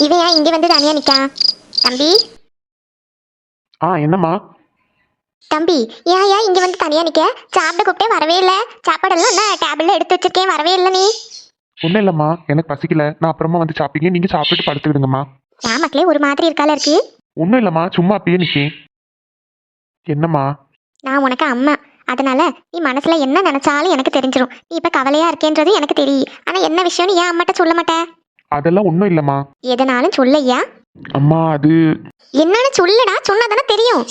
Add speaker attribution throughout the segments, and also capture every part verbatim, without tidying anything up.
Speaker 1: இவன் ஏன் இங்க வந்து தனியா நிக்கான்? தம்பி
Speaker 2: ஆ என்னம்மா?
Speaker 1: தம்பி ஏன் ஏன் இங்க வந்து தனியா நிக்க? சாப்பிட கூப்பிட்டே வரவே இல்ல. சாப்பாடெல்லாம் என்ன டேபிள்ல எடுத்து வச்சிருக்கேன், வரவே இல்ல நீ.
Speaker 2: ஒன்றும் இல்லைம்மா, எனக்கு பசிக்கல, நான் அப்புறமா வந்து சாப்பிட்டீங்க, நீங்க சாப்பிட்டு படுத்துக்கிடுங்கம்மா.
Speaker 1: ஏன் மக்களே ஒரு மாதிரி இருக்கால இருக்கு?
Speaker 2: ஒன்றும் இல்லைம்மா, சும்மா அப்பயே நிற்கேன். என்னம்மா?
Speaker 1: நான் உனக்கு அம்மா, அதனால நீ மனசுல என்ன நினைச்சாலும் எனக்கு தெரிஞ்சிடும். நீ இப்ப கவலையா இருக்கேன்றது எனக்கு தெரியும். ஆனா என்ன விஷயம்னு ஏன் அம்மாட்ட சொல்ல மாட்டேன்?
Speaker 2: அதெல்லாம் ஒன்றும் இல்லைம்மா.
Speaker 1: எதனாலும் சொல்லையா?
Speaker 2: அம்மா அது
Speaker 1: என்னன்னு சொல்லுடா, சொன்னாதானே தெரியும்.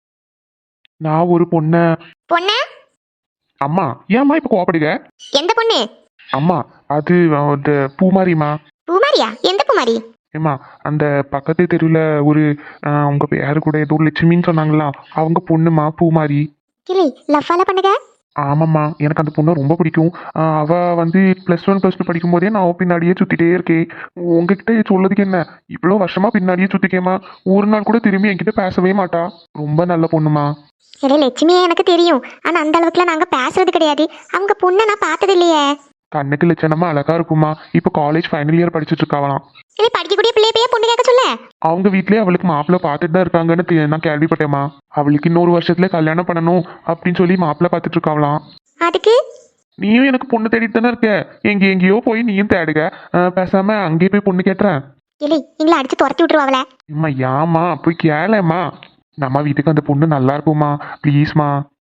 Speaker 2: நான் ஒரு பொண்ணை.
Speaker 1: பொண்ண?
Speaker 2: அம்மா ஏம்மா இப்போ கோவப்படுங்க?
Speaker 1: எந்த பொண்ணு?
Speaker 2: அம்மா அது அந்த பூமாரிம்மா.
Speaker 1: பூமாரியா? எந்த பூமாரி?
Speaker 2: ஏம்மா அந்த பக்கத்து தெருவில் ஒரு ஆஹ், உங்க பேரு கூட ஏதோ லட்சுமின்னு சொன்னாங்களா, அவங்க பொண்ணுமா பூமாரி.
Speaker 1: கிளி லவ்வால பண்ணுங்க.
Speaker 2: ஆமாம்மா, எனக்கு அந்த பொண்ணை ரொம்ப பிடிக்கும். ஆஹ், அவ வந்து ப்ளஸ் ஒன் ப்ளஸ் டூ படிக்கும் போதே நான் அவ பின்னாடியே சுத்திட்டே இருக்கேன். உங்ககிட்ட சொல்லதுக்கு என்ன, இவ்வளோ வருஷமா பின்னாடியே சுத்திக்கேம்மா. ஒரு நாள் கூட திரும்பி என்கிட்ட பேசவே மாட்டா. ரொம்ப நல்ல பொண்ணுமா.
Speaker 1: இல்லை லட்சுமியே எனக்கு தெரியும். ஆனா அந்த அளவுக்குலாம் நாங்க பேசுறது கிடையாது. அவங்க பொண்ணை நான் பார்த்தது இல்லையே.
Speaker 2: கண்ணுக்கு லட்சணமா அழகா இருக்குமா. இப்போ காலேஜ் ஃபைனல் இயர் படிச்சுட்டு இருக்காவலாம்.
Speaker 1: இல்லை படிக்கக்கூடிய பிள்ளைய போய் பொண்ணு கேட்க சொல்ல.
Speaker 2: அவங்க வீட்லயே அவளுக்கு மாப்பிள்ளை பார்த்துட்டு தான் இருக்காங்கன்னு தெ- நான் கேள்விப்பட்டேம்மா. அவளுக்கு இன்னொரு வருஷத்துல கல்யாணம் பண்ணணும் அப்படின்னு சொல்லி மாப்பிள்ளை பார்த்துட்டு இருக்காவலாம்.
Speaker 1: அதுக்கு
Speaker 2: நீயும் எனக்கு பொண்ணு தேடிட்டு தானே இருக்க, எங்க எங்கேயோ போய் நீயும் தேடுக. ஆஹ், பேசாம அங்கேயே போய் பொண்ணு கேட்டுறேன்.
Speaker 1: இல்லை எங்களை அடிச்சு துரத்தி விட்டுருவாங்களே.
Speaker 2: அம்மா ஏம்மா போய் கேளேம்மா. நம்ம வீட்டுக்கு அந்த பொண்ணு நல்லா இருக்குமா, ப்ளீஸ்மா.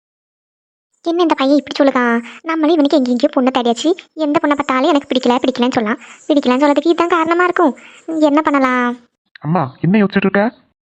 Speaker 1: என்ன இந்த பையன் இப்படி சொல்லுதான்? நம்மளும் இவனுக்கு எங்கேயும் எங்கேயோ பொண்ணை தேடியாச்சு. எந்த பொண்ணை பார்த்தாலும் எனக்கு பிடிக்கல பிடிக்கலன்னு சொல்லலாம். பிடிக்கலன்னு சொல்லதுக்கு இதுதான் காரணமா இருக்கும். என்ன பண்ணலாம்?
Speaker 2: அம்மா என்ன யோசிச்சுட்டு இருக்க?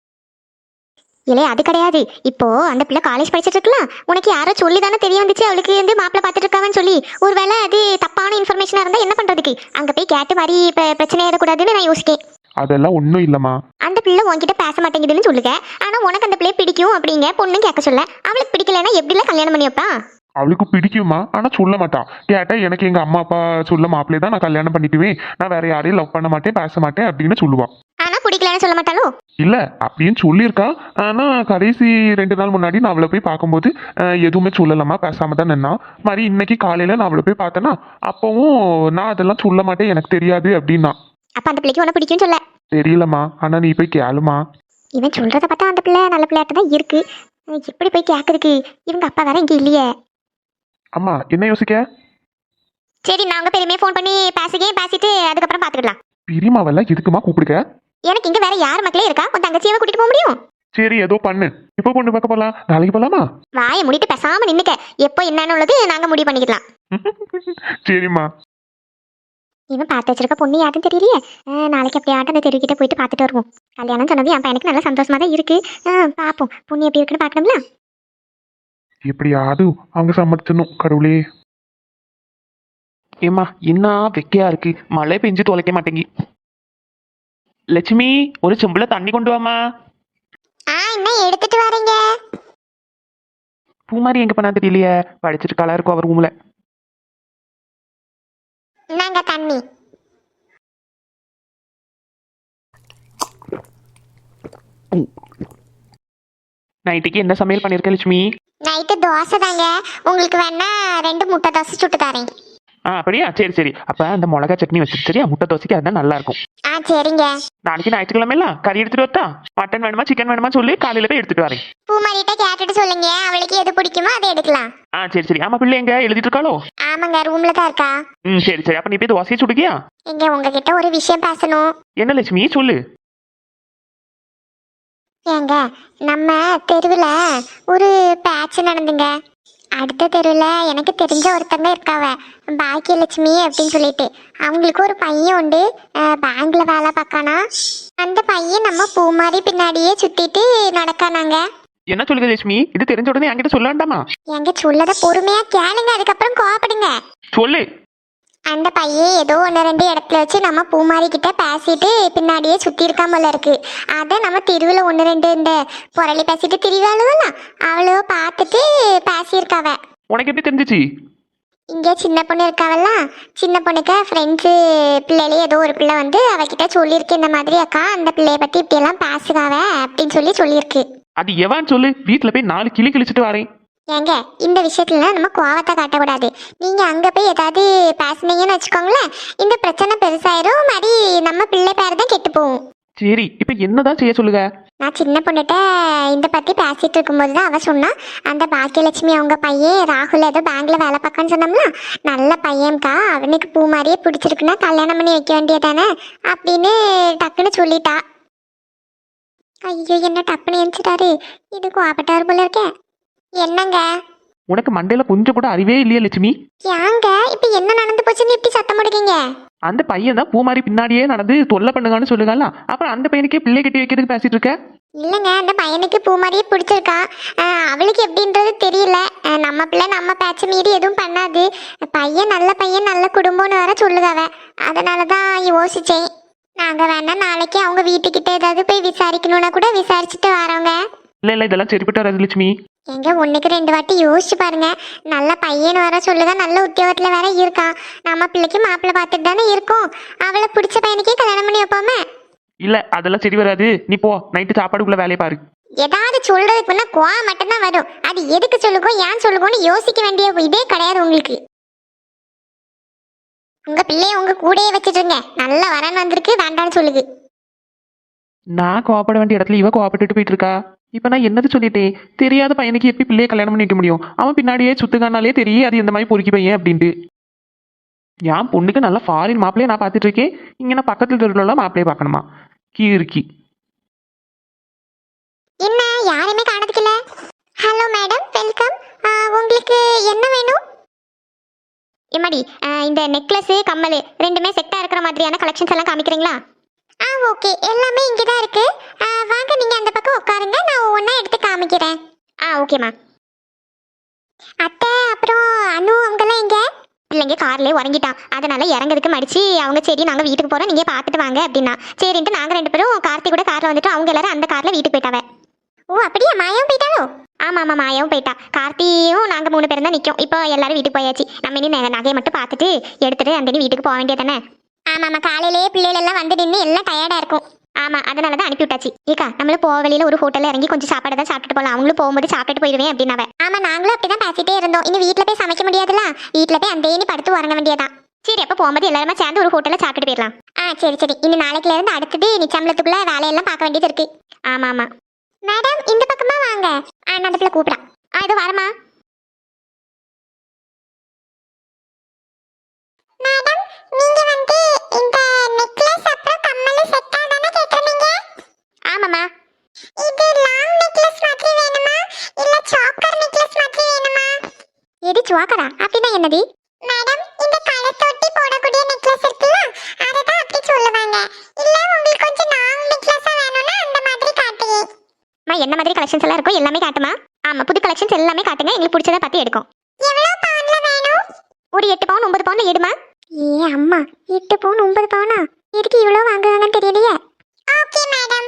Speaker 1: இல்லை அது கிடையாது. இப்போ அந்த பிள்ளை காலேஜ் படிச்சுட்டு இருக்கலாம். உனக்கு யாரோ சொல்லி தானே தெரிய வந்துச்சு அவளுக்கு வந்து மாப்பிள்ளை பார்த்துட்டு இருக்காவன்னு சொல்லி. ஒருவேளை அது தப்பான இன்ஃபர்மேஷனா இருந்தா என்ன பண்றதுக்கு? அங்க போய் கேட்டு மாதிரி இப்போ பிரச்சனை ஏறக்கூடாதுன்னு நான் யோசிக்கேன்.
Speaker 2: அதெல்லாம் ஒன்றும் இல்லைம்மா.
Speaker 1: அந்த பிள்ளை உன்கிட்ட பேச மாட்டேங்குதுன்னு சொல்லுங்க. ஆனா உனக்கு அந்த பிள்ளைய பிடிக்கும் அப்படிங்க பொண்ணு கேட்க சொல்ல. அவளுக்கு பிடிக்கலன்னா எப்படிலாம் கல்யாணம் பண்ணி வைப்பா?
Speaker 2: அவளுக்கு பிடிக்குமா, ஆனா சொல்ல மாட்டா. கேட்டா எனக்கு எங்க அம்மா அப்பா சொல்ல மாப்பிள்ளையே தான் நான் கல்யாணம் பண்ணிக்குவேன், நான் வேற யாரையும் லவ் பண்ண மாட்டேன் பேச மாட்டேன் அப்படின்னு சொல்லுவா.
Speaker 1: ஆனா பிடிக்கலன்னு சொல்ல மாட்டாளோ?
Speaker 2: இல்ல அப்படின்னு சொல்லியிருக்கா. ஆனா கடைசி ரெண்டு நாள் முன்னாடி நான் அவளை போய் பார்க்கும்போது அஹ், எதுவுமே சொல்லலாமா, பேசாம தான் நின்னா. மாதிரி இன்னைக்கு காலையில நான் அவளை போய் பார்த்தேன்னா அப்பவும் நான் அதெல்லாம் சொல்ல மாட்டேன் எனக்கு தெரியாது அப்படின்னா.
Speaker 1: அப்ப அந்த பிள்ளைக்கு உன பிடிக்கும்னு சொல்ல.
Speaker 2: தெரியலம்மா, ஆனா நீ போய் கேளுமா.
Speaker 1: இவன் சொல்றத பார்த்தா அந்த பிள்ளை நல்ல பிள்ளையாட்ட தான் இருக்கு. எப்படி போய் கேட்கறதுக்கு? இவங்க அப்பா வேற இங்க இல்லையே.
Speaker 2: அம்மா என்ன யோசிக்க?
Speaker 1: சரி நான் உங்க பெருமையை ஃபோன் பண்ணி பேசுகே பேசிட்டு அதுக்கப்புறம் பாத்துக்கலாம்.
Speaker 2: பிரிமாவெல்லாம் எதுக்குமா கூப்பிடுக்க?
Speaker 1: எனக்கு இங்க வேற யார் மக்களே இருக்கா? உன் தங்கச்சியை கூட்டிட்டு போக முடியும்?
Speaker 2: சரி ஏதோ பண்ணு. இப்போ பொண்ணு பார்க்க போலாம், நாளைக்கு போலாமா?
Speaker 1: வாயை மூடிட்டு பேசாம நின்னுக்க. எப்போ என்னன்னு உள்ளது நாங்க முடிவு பண்ணிக்கலாம்.
Speaker 2: சரிம்மா.
Speaker 1: இவன் பார்த்து வச்சிருக்க பொண்ணு யாருன்னு தெரியலையே. அஹ் நாளைக்கு எப்படியாட்டும் அந்த தெருக்கிட்ட போயிட்டு பார்த்துட்டு வருவோம். கல்யாணம் சொன்னது என் பையனுக்கு நல்லா சந்தோஷமா தான் இருக்கு. அஹ் பாப்போம் பொண்ணு எப்படி இருக்குன்னு பார்க்கணும்ல.
Speaker 2: எப்படியாவது அவங்க சம்மதிச்சணும் கடவுளே.
Speaker 3: ஏம்மா என்ன வெக்கையா இருக்கு, மழை பெஞ்சு தொலைக்க மாட்டேங்கி. லட்சுமி ஒரு செம்புல தண்ணி கொண்டு வாமா.
Speaker 1: ஆ என்ன எடுத்துட்டு வரீங்க?
Speaker 3: பூமாரி எங்க பண்ணா தெரியலையே, படிச்சுட்டு கலா இருக்கும் அவர் ரூம்ல.
Speaker 1: நாங்க தண்ணி.
Speaker 3: நைட்டுக்கு என்ன சமையல் பண்ணிருக்க லட்சுமி?
Speaker 1: நைட்டு தோசை தாங்க. உங்களுக்கு வேணா ரெண்டு முட்டை தோசை சுட்டு தரேன்.
Speaker 3: ஆ அப்படியா, சரி சரி. அப்ப அந்த மிளகா சட்னி வச்சுட்டு சரியா, முட்டை தோசைக்கு அதுதான் நல்லா இருக்கும்.
Speaker 1: ஆ சரிங்க.
Speaker 3: நாளைக்கு ஞாயிற்றுக்கிழமை கறி எடுத்துட்டு வரட்டா? மட்டன் வேணுமா சிக்கன் வேணுமா சொல்லி காலையில போய் எடுத்துட்டு வரேன்.
Speaker 1: பூமாரிட்ட கேட்டுட்டு சொல்லுங்க, அவளுக்கு எது பிடிக்குமோ அதை எடுக்கலாம்.
Speaker 3: ஆ சரி சரி. ஆமா பிள்ளை எங்க எழுதிட்டு இருக்காளோ?
Speaker 1: ஆமாங்க ரூம்ல தான் இருக்கா.
Speaker 3: ம் சரி சரி. அப்ப நீ போய் தோசையை சுடுக்கியா?
Speaker 1: இங்க உங்ககிட்ட ஒரு விஷயம் பேசணும்.
Speaker 3: என்ன லட்சுமி சொல்லு.
Speaker 1: ஏங்க நம்ம தெருவில் ஒரு பேட்ச் நடந்துங்க. அடுத்த தெருவில் எனக்கு தெரிஞ்ச ஒருத்தங்க இருக்காவ, பாக்கியலட்சுமி அப்படின்னு சொல்லிட்டு. அவங்களுக்கு ஒரு பையன் உண்டு, பேங்க்ல வேலை பார்க்கானா. அந்த பையன் நம்ம பூமாரி பின்னாடியே சுத்திட்டு நடக்கானாங்க.
Speaker 3: என்ன சொல்லுங்க லட்சுமி, இது தெரிஞ்ச உடனே என்கிட்ட சொல்ல வேண்டாமா?
Speaker 1: எங்க சொல்லத பொறுமையா கேளுங்க, அதுக்கப்புறம் கோவப்படுங்க.
Speaker 3: சொல்லு.
Speaker 1: அந்த பையன் ஏதோ ஒன்று ரெண்டு இடத்துல வச்சு நம்ம பூமாரி கிட்ட பேசிட்டு பின்னாடியே சுத்தி இருக்கா போல இருக்கு. அதை நம்ம தெருவில் ஒன்று ரெண்டு இந்த புரளி பேசிட்டு திரிவாளுவலாம், அவளோ பார்த்துட்டு பேசியிருக்காவ.
Speaker 3: உனக்கு எப்படி தெரிஞ்சிச்சு?
Speaker 1: இங்கே சின்ன பொண்ணு இருக்காவல்ல, சின்ன பொண்ணுக்கு ஃப்ரெண்ட்ஸு பிள்ளையிலே ஏதோ ஒரு பிள்ளை வந்து அவகிட்ட சொல்லியிருக்கு, இந்த மாதிரி அக்கா அந்த பிள்ளைய பற்றி இப்படியெல்லாம் பேசுகாவ அப்படின்னு சொல்லி சொல்லியிருக்கு.
Speaker 3: அது எவான்னு சொல்லு, வீட்டுல போய் நாலு கிளி கிழிச்சிட்டு வரேன்.
Speaker 1: ஏங்க இந்த விஷயத்துல நம்ம கோவத்தை காட்டக்கூடாது. நீங்க அங்க போய் ஏதாவது பேசுனீங்கன்னு வச்சுக்கோங்களேன், இந்த பிரச்சனை பெருசாயிரும், மாதிரி நம்ம பிள்ளை பேர் தான் கெட்டு போகும்.
Speaker 3: சரி இப்ப என்னதான் செய்ய சொல்லுங்க?
Speaker 1: நான் சின்ன பொண்ணுகிட்ட இந்த பத்தி பேசிட்டு இருக்கும்போது தான் அவ சொன்னா, அந்த பாக்கியலட்சுமி அவங்க பையன் ராகுல் ஏதோ பேங்க்ல வேலை பார்க்கன்னு சொன்னோம்ல, நல்ல பையன்க்கா, அவனுக்கு பூ மாதிரியே பிடிச்சிருக்குன்னா கல்யாணம் பண்ணி வைக்க வேண்டியதானே அப்படின்னு டக்குன்னு சொல்லிட்டா. ஐயோ என்ன டப்புன்னு எழுந்துட்டாரு, இது கோபட்டாரு போல இருக்கே. என்னங்க
Speaker 3: உனக்கு மண்டையில கொஞ்சம் கூட அறிவே இல்லையா லட்சுமி?
Speaker 1: ஏங்க இப்ப என்ன நடந்து போச்சுன்னு இப்படி சத்தம் போடுறீங்க?
Speaker 3: அந்த பையன் தான் பூ மாதிரி பின்னாடியே நடந்து தொல்லை பண்ணுங்கன்னு சொல்லுங்கல்ல, அப்புறம் அந்த பையனுக்கே பிள்ளை கட்டி வைக்கிறதுக்கு பேசிட்டு இருக்க?
Speaker 1: இல்லைங்க, அந்த பையனுக்கு பூ மாதிரியே பிடிச்சிருக்கா. ஆஹ் அவளுக்கு எப்படின்றது தெரியல. ஆஹ் நம்ம பிள்ளை நம்ம பேச்ச மீறி எதுவும் பண்ணாது. பையன் நல்ல பையன் நல்ல குடும்பம்னு வேற சொல்லுதாவ. அதனால தான் யோசிச்சேன். நாங்க வேணா நாளைக்கு அவங்க வீட்டுக்கிட்ட ஏதாவது போய் விசாரிக்கணும்னா கூட விசாரிச்சுட்டு வரோங்க.
Speaker 3: இல்ல இல்ல இதெல்லாம் சரிப்பட்டு வராது லட்சுமி.
Speaker 1: எங்க ஒண்ணுக்கு ரெண்டு வாட்டி யோசிச்சு பாருங்க. நல்ல பையன் வர சொல்லுதா, நல்ல உத்தியோகத்துல வேற இருக்கான். நம்ம பிள்ளைக்கு மாப்பிள்ளை பார்த்துட்டு தானே இருக்கோம். அவளை பிடிச்ச பையனுக்கே கல்யாணம் பண்ணி வைப்போமே.
Speaker 3: இல்ல அதெல்லாம் சரி வராது, நீ போ நைட்டு சாப்பாடுக்குள்ள வேலையை பாரு.
Speaker 1: ஏதாவது சொல்றதுக்கு முன்னா கோவா மட்டும்தான் வரும். அது எதுக்கு சொல்லுகோ ஏன் சொல்லுகோன்னு யோசிக்க வேண்டிய இதே கிடையாது உங்களுக்கு. உங்க பிள்ளைய உங்க கூடயே வச்சுட்டுருங்க. நல்ல வரன் வந்திருக்கு, வேண்டான்னு சொல்லுது.
Speaker 3: நான் கோவப்பட வேண்டிய இடத்துல இவ கோவப்பட்டுட்டு போயிட்டு இருக்கா. இப்ப நான் என்னது சொல்லிட்டேன்? தெரியாத பையனுக்கு எப்படி பிள்ளைய கல்யாணம் பண்ணி வைக்க முடியும்? அவன் பின்னாடியே சுத்துக்கானாலே தெரியும் அது இந்த மாதிரி பொறுக்கி பையன் அப்படின்ட்டு. என் பொண்ணுக்கு நல்லா ஃபாரின் மாப்பிள்ளைய நான் பார்த்துட்டு இருக்கேன், இங்க நான் பக்கத்துல தெருவுல மாப்பிள்ளைய பார்க்கணுமா? கீர்க்கி
Speaker 1: என்ன யாருமே காணதுக்கு இல்ல? Hello madam, welcome. உங்களுக்கு என்ன வேணும்? எம்மாடி, இந்த நெக்லஸ் கம்மல் ரெண்டுமே செட்டா இருக்கிற மாதிரியான கலெக்ஷன்ஸ் எல்லாம் காமிக்கிறீங்களா? ஆ ஓகே, எல்லாமே இங்கே தான் இருக்கு. வாங்க நீங்க அந்த பக்கம் உட்காருங்க, நான் ஒவ்வொன்றா எடுத்து காமிக்கிறேன். ஆ ஓகேம்மா. அத்தை அப்புறம் அனு அவங்கெல்லாம் எங்க? இல்லைங்க கார்லேயே உறங்கிட்டான், அதனால இறங்கிறதுக்கு மடிச்சு அவங்க சரி நாங்கள் வீட்டுக்கு போகிறோம் நீங்கள் பார்த்துட்டு வாங்க அப்படின்னா சரின்ட்டு நாங்கள் ரெண்டு பேரும் கார்த்தி கூட காரில் வந்துட்டு அவங்க எல்லாரும் அந்த காரில் வீட்டுக்கு போயிட்டாவே. ஓ அப்படியா, மாயாவும் போயிட்டாலோ? ஆமாம் ஆமாம் மாயாவும் போயிட்டா. கார்த்தியும் நாங்கள் மூணு பேரும் தான் நிற்கும். இப்போ எல்லாரும் வீட்டுக்கு போயாச்சு. நம்ம இனி நகையை மட்டும் பார்த்துட்டு எடுத்துட்டு அந்த வீட்டுக்கு போக வேண்டியதானே. ஆமாம் ஆமாம், காலையிலேயே பிள்ளைகள் எல்லாம் வந்து நின்று எல்லாம் டயர்டாக இருக்கும். ஆமாம் அதனால தான் அனுப்பி விட்டாச்சு. ஏக்கா நம்மளும் போக வழியில் ஒரு ஹோட்டலில் இறங்கி கொஞ்சம் சாப்பாடு தான் சாப்பிட்டு போகலாம், அவங்களும் போகும்போது சாப்பிட்டு போயிடுவேன் அப்படின்னாவே. ஆமாம் நாங்களும் அப்படி தான் பேசிட்டே இருந்தோம். இனி வீட்டில் போய் சமைக்க முடியாதுல்ல, வீட்டில் போய் அந்த இனி படுத்து உறங்க வேண்டியதான். சரி அப்போ போகும்போது எல்லாருமே சேர்ந்து ஒரு ஹோட்டலில் சாப்பிட்டு போயிடலாம். ஆ சரி சரி, இனி நாளைக்குல இருந்து அடுத்தது நிச்சயத்துக்குள்ள வேலையெல்லாம் பார்க்க வேண்டியது இருக்கு. ஆமாம் ஆமாம் மேடம், இந்த பக்கமா வாங்க. ஆ நான் அந்த பிள்ளை கூப்பிடான். ஆ இது வரமா மேடம், நீங்க வந்து இந்த நெக்லஸ் அப்புறம் கம்மல் செட்டா தான கேக்குறீங்க? ஆமாமா. இது லாங் நெக்லஸ் மாதிரி வேணுமா இல்ல சாக்கர் நெக்லஸ் மாதிரி வேணுமா? எது சாக்கரா? அப்படினா என்னது? மேடம் இந்த கழுத்தொட்டி போடக்கூடிய நெக்லஸ் இருக்குல்ல, அத தான் அப்படி சொல்லுவாங்க. இல்ல உங்களுக்கு கொஞ்சம் லாங் நெக்லஸா வேணும்னா அந்த மாதிரி காட்டுங்க. மா என்ன மாதிரி கலெக்ஷன்ஸ் எல்லாம் இருக்கோ எல்லாமே காட்டுமா? ஆமா புது கலெக்ஷன்ஸ் எல்லாமே காட்டுங்க, எங்களுக்கு பிடிச்சதை பார்த்து எடுக்கும். எவ்வளவு பவுன்ல வேணும்? ஒரு எட்டு பவுன் ஒன்பது பவுன்ல எடுமா. ஏ அம்மா, எட்டு பவுன் ஒன்பது பவுனா? எதுக்கு இவ்வளவு வாங்குவாங்கன்னு தெரியலையே. Okay madam.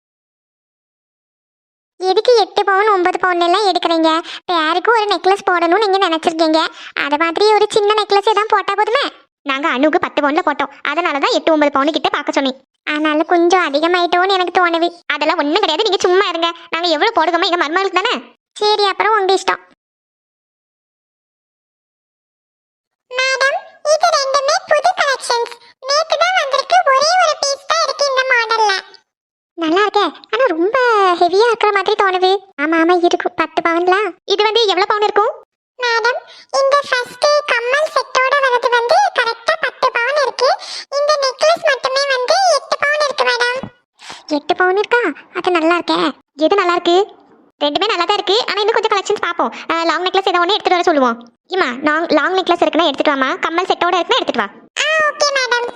Speaker 1: எதுக்கு எட்டு பவுன் ஒன்பது பவுன் எல்லாம் எடுக்கிறீங்க? பேருக்கு ஒரு நெக்லஸ் போடணும்னு நீங்க நினைச்சிருக்கீங்க, அத மாதிரி ஒரு சின்ன நெக்லஸ் தான் போட்டா போதுமே. நாங்க அணுக்கு பத்து பவுன்ல போட்டோம், அதனாலதான் எட்டு ஒன்பது பவுன் கிட்ட பார்க்க சொன்னேன். அதனால கொஞ்சம் அதிகமாயிட்டோன்னு எனக்கு தோணுது. அதெல்லாம் ஒண்ணும் கிடையாது, நீங்க சும்மா இருங்க. நாங்க எவ்வளவு போடுவோமோ எங்க மருமகளுக்கு தானே. சரி அப்புறம் உங்க இஷ்டம். மேடம் இது ரெண்டுமே புது கலெக்ஷன்ஸ், நேத்து தான் வந்திருக்கு. ஒரே ஒரு பீஸ் தான் இருக்கு இந்த மாடல்ல. நல்லா இருக்கே, ஆனா ரொம்ப ஹெவியா இருக்கிற மாதிரி தோணுது. ஆமா ஆமா இருக்கும், பத்து பவுன்ல. இது வந்து எவ்வளவு பவுன் இருக்கும்? மேடம் இந்த ஃபர்ஸ்ட் கம்மல் செட்டோட வரது வந்து கரெக்ட்டா பத்து பவுன் இருக்கு. இந்த நெக்லஸ் மட்டுமே வந்து எட்டு பவுன் இருக்கு மேடம். எட்டு பவுன் இருக்கா? அது நல்லா இருக்கே. எது நல்லா இருக்கு? ரெண்டுமே நல்லா தான் இருக்கு, ஆனா இன்னும் கொஞ்சம் கலெக்ஷன்ஸ் பாப்போம். லாங் நெக்லஸ் ஏதோ ஒன்று எடுத்துட்டு வர சொல்லுவோம். இம்மா லாங் லாங் நெக்லஸ் இருக்குன்னா எடுத்துட்டு வாமா, கம்மல் செட்டோட இருக்குன்னா எடுத்துட்டு வா. ஆ ஓகே மேடம்.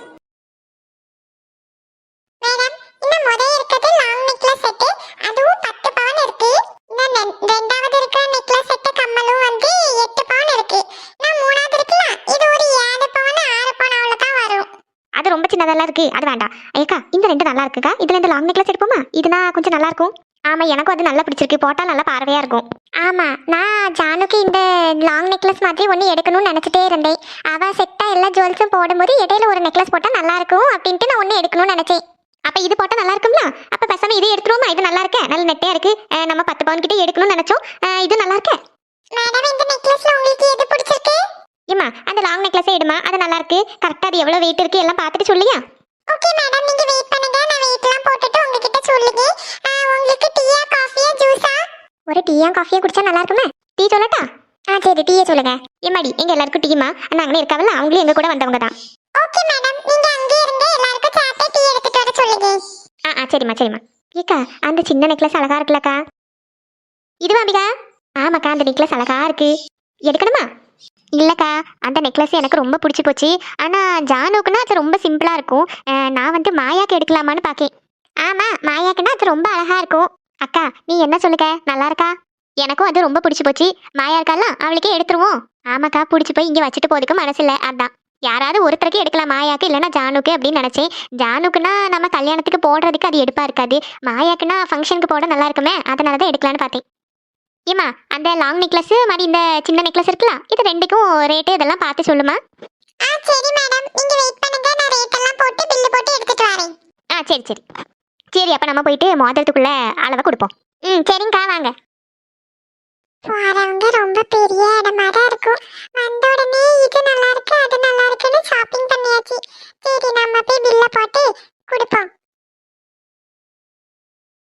Speaker 1: மேடம் இந்த முறை இருக்குது லாங் நெக்லஸ் செட், அதுவும் பத்து பவுன் இருக்கு. இந்த ரெண்டாவது இருக்கிற நெக்லஸ் செட் கம்மலும் வந்து எட்டு பவுன் இருக்கு. நான் மூணாவது இருக்குல, இது ஒரு ஏழு பவுன் ஆறு பவுன் அவ்வளவுதான் வரும். அது ரொம்ப சின்னதெல்லாம் இருக்கு, அது வேண்டாம். ஏக்கா இந்த ரெண்டு நல்லா இருக்குக்கா, இதுல இந்த லாங் நெக்லஸ் எடுப்போமா? இதுனா கொஞ்சம் நல்லா இருக்கும். ஆமா எனக்கும் அது நல்லா பிடிச்சிருக்கு, போட்டா நல்லா பார்வையா இருக்கும். ஆமா நான் ஜானுக்கு இந்த லாங் நெக்லஸ் மாதிரி ஒன்று எடுக்கணும்னு நினைச்சிட்டே இருந்தேன். அவ செட்டா எல்லா ஜுவல்ஸும் போடும்போது இடையில ஒரு நெக்லஸ் போட்டா நல்லா இருக்கும் அப்படின்ட்டு நான் ஒன்று எடுக்கணும்னு நினைச்சேன். அப்ப இது போட்டா நல்லா இருக்கும்ல, அப்ப பேசாம இது எடுத்துருவோமா? இது நல்லா இருக்கே, நல்ல நெட்டையா இருக்கு. நம்ம பத்து பவுன் கிட்ட எடுக்கணும்னு நினைச்சோம், இது நல்லா இருக்கே. மேடம் இந்த நெக்லஸ்ல உங்களுக்கு எது பிடிச்சிருக்கு? ஏமா அந்த லாங் நெக்லஸே எடுமா, அது நல்லா இருக்கு. கரெக்ட்டா அது எவ்வளவு வெயிட் இருக்கு எல்லாம் பார்த்துட்டு சொல்லியா? ஓகே மேடம், நீங்க வெயிட் பண்ணுங்க, நான் வெயிட்லாம் போட்டுட்டு உங்ககிட்ட சொல்லுங்க. உங்களுக்கு டீயா காஃபியா ஜூஸா? ஒரு டீயா காஃபியா குடிச்சா நல்லா இருக்குமே. டீ சொல்லட்டா? ஆ சரி, டீயே சொல்லுங்க. ஏமாடி எங்க எல்லாருக்கும் டீமா? நாங்களே இருக்காவல்ல, அவங்களும் எங்க கூட வந்தவங்க தான். ஓகே மேடம், நீங்க அங்கே இருங்க, எல்லாருக்கும் சாப்பிட்டு டீ எடுத்துட்டு வர சொல்லுங்க. ஆ ஆ சரிம்மா சரிம்மா. ஏக்கா அந்த சின்ன நெக்லஸ் அழகா இருக்குல்லக்கா. இதுவா அம்பிகா? ஆமாக்கா, அந்த நெக்லஸ் அழகா இருக்கு. எடுக்கணுமா? இல்லக்கா, அந்த நெக்லஸ் எனக்கு ரொம்ப பிடிச்சி போச்சு. ஆனா ஜானுக்குன்னா அது ரொம்ப சிம்பிளா இருக்கும். அஹ், நான் வந்து மாயாக்கு எடுக்கலாமான்னு பாக்கேன். ஆமா, மாயாக்குன்னா அது ரொம்ப அழகா இருக்கும். அக்கா நீ என்ன சொல்லுங்க, நல்லா இருக்கா? எனக்கும் அது ரொம்ப பிடிச்சி போச்சு. மாயா இருக்கால, அவளுக்கே எடுத்துருவோம். ஆமாக்கா, பிடிச்சி போய் இங்க வச்சுட்டு போறதுக்கு மனசு இல்ல, அதான் யாராவது ஒருத்தருக்கு எடுக்கலாம், மாயாக்கு இல்லைன்னா ஜானுக்கு அப்படின்னு நினைச்சேன். ஜானுக்குன்னா நம்ம கல்யாணத்துக்கு போடுறதுக்கு அது எடுப்பா இருக்காது. மாயாக்குன்னா ஃபங்க்ஷனுக்கு போட நல்லா இருக்குமே, அதனால தான் எடுக்கலான்னு பார்த்தேன். ஏமா அந்த லாங் நெக்லஸ் மாதிரி இந்த சின்ன நெக்லஸ் இருக்குல்ல, இது ரெண்டுக்கும் ரேட்டு இதெல்லாம் பார்த்து சொல்லுமா. ஆ சரி மேடம், நீங்க வெயிட் பண்ணுங்க, நான் ரேட் எல்லாம் போட்டு பில் போட்டு எடுத்துட்டு வரேன். ஆ சரி சரி சரி, அப்ப நம்ம போயிட்டு மோதிரத்துக்குள்ள அளவை கொடுப்போம்.